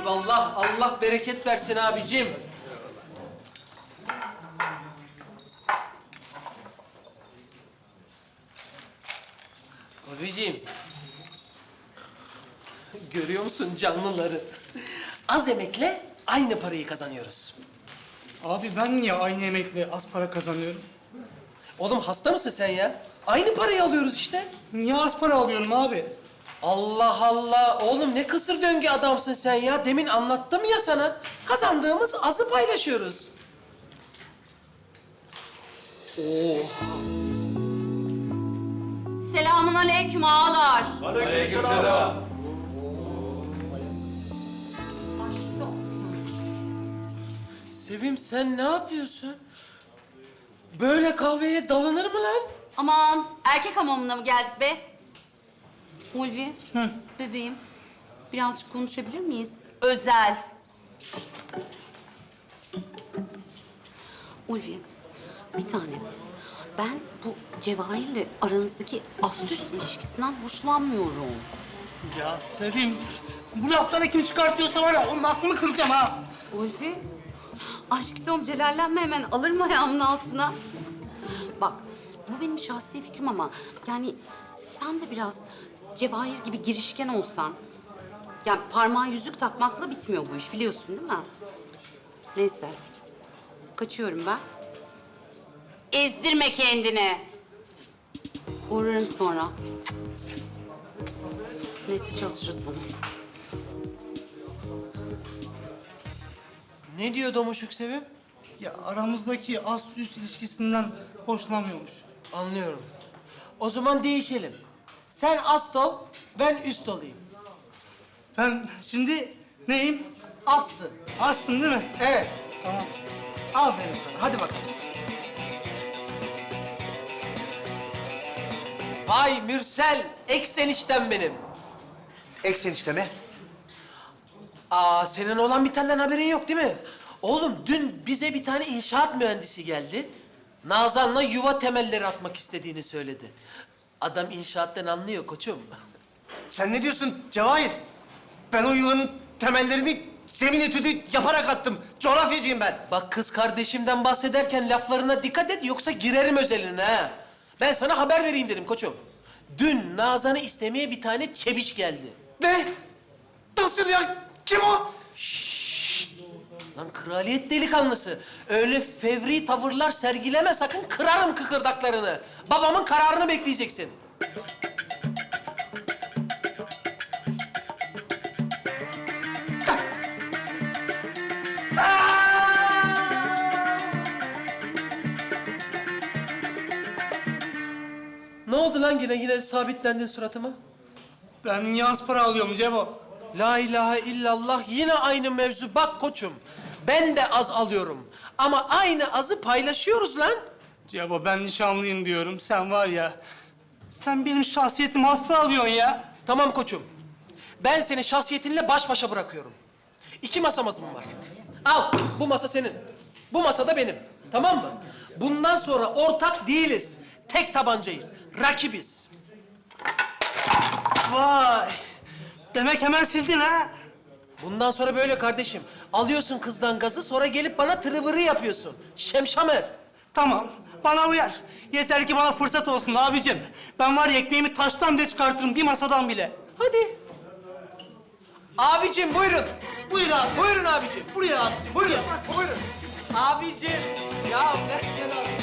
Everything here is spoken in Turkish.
Eyvallah. Allah bereket versin abicim. Abicim. Görüyor musun canlıları? Az emekle aynı parayı kazanıyoruz. Abi ben niye aynı emekle az para kazanıyorum? Oğlum hasta mısın sen ya? Aynı parayı alıyoruz işte. Niye az para alıyorum abi? Allah Allah! Oğlum ne kısır döngü adamsın sen ya. Demin anlattım ya sana. Kazandığımız azı paylaşıyoruz. Selamun aleyküm ağalar. Sevim sen ne yapıyorsun? Böyle kahveye dalınır mı lan? Aman erkek hamamına mı geldik be? Ulvi, bebeğim birazcık konuşabilir miyiz? Özel. Ulvi, bir tane. Ben bu Cevahir'le aranızdaki ast-üst ilişkisinden hoşlanmıyorum. Ya Sevim, bu lafları kim çıkartıyorsa var ya onun aklını kıracağım ha. Ulvi, aşk Tom celallenme hemen alır mı ayağımın altına? Bak, bu benim şahsi fikrim ama yani sen de biraz Cevahir gibi girişken olsan... Yani parmağa yüzük takmakla bitmiyor bu iş biliyorsun değil mi? Neyse, kaçıyorum ben. Ezdirme kendini. Uğrarım sonra. Neyse çalışırız bunu. Ne diyor Domuşuk Sevim? Ya aramızdaki ast-üst ilişkisinden hoşlanmıyormuş. Anlıyorum. O zaman değişelim. Sen ast ol, ben üst olayım. Ben şimdi neyim? Assın. Astım değil mi? Evet. Tamam. Aferin sana. Hadi bakalım. Vay Mürsel, eksenişten benim. Eksen işte mi? Aa, senin olan bitenden haberin yok değil mi? Oğlum dün bize bir tane inşaat mühendisi geldi. Nazan'la yuva temelleri atmak istediğini söyledi. Adam inşaattan anlıyor koçum. Sen ne diyorsun Cevahir? Ben o yuvanın temellerini zemin etüdü yaparak attım. Coğrafyacıyım ben. Bak kız kardeşimden bahsederken laflarına dikkat et yoksa girerim özeline ha. Ben sana haber vereyim dedim koçum. Dün Nazan'ı istemeye bir tane çebiş geldi. Ne? Nasıl ya? Kim o? Lan kraliyet delikanlısı. Öyle fevri tavırlar sergileme sakın kırarım kıkırdaklarını. Babamın kararını bekleyeceksin. Ne oldu lan yine sabitlendin suratıma? Ben niye az para alıyorum Cevo? La ilahe illallah yine aynı mevzu. Bak koçum ben de az alıyorum. Ama aynı azı paylaşıyoruz lan. Cevo ben nişanlıyım diyorum. Sen var ya, sen benim şahsiyetimi hafife alıyorsun ya. Tamam koçum. Ben seni şahsiyetinle baş başa bırakıyorum. 2 masamız mı var? Al bu masa senin. Bu masa da benim. Tamam mı? Bundan sonra ortak değiliz. Tek tabancayız. Rakibiz. Vay! Demek hemen sildin ha? Bundan sonra böyle kardeşim. Alıyorsun kızdan gazı sonra gelip bana tırıvırı yapıyorsun. Şemşamer. Tamam, bana uyar. Yeter ki bana fırsat olsun abicim. Ben var ya ekmeğimi taştan bile çıkartırım, bir masadan bile. Hadi. Abicim buyurun. Buyur abi. Buyurun abicim. Buraya abicim, Buyurun. buraya. Buyurun. Abicim. Ya gel abi.